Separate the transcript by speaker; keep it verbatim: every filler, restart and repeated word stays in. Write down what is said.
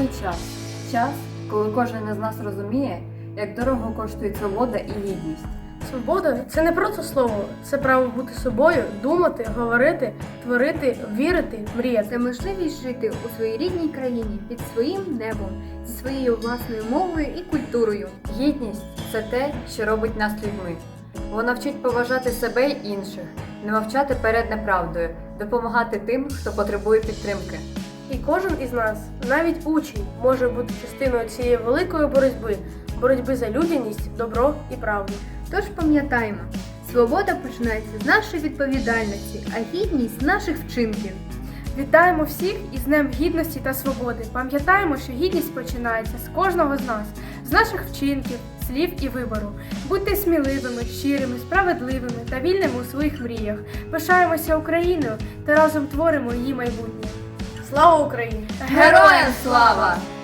Speaker 1: час. Час, коли кожен із нас розуміє, як дорого коштує свобода і гідність.
Speaker 2: Свобода – це не просто слово, це право бути собою, думати, говорити, творити, вірити, мріяти.
Speaker 3: Це можливість жити у своїй рідній країні, під своїм небом, зі своєю власною мовою і культурою.
Speaker 1: Гідність – це те, що робить нас людьми. Вона вчить поважати себе й інших, не мовчати перед неправдою, допомагати тим, хто потребує підтримки.
Speaker 2: І кожен із нас, навіть учень, може бути частиною цієї великої боротьби, боротьби за людяність, добро і правду.
Speaker 3: Тож пам'ятаємо, свобода починається з нашої відповідальності, а гідність – з наших вчинків.
Speaker 2: Вітаємо всіх із Днем Гідності та Свободи. Пам'ятаємо, що гідність починається з кожного з нас, з наших вчинків, слів і вибору. Будьте сміливими, щирими, справедливими та вільними у своїх мріях. Пишаємося Україною та разом творимо її майбутнє. Слава Україні!
Speaker 1: Героям слава!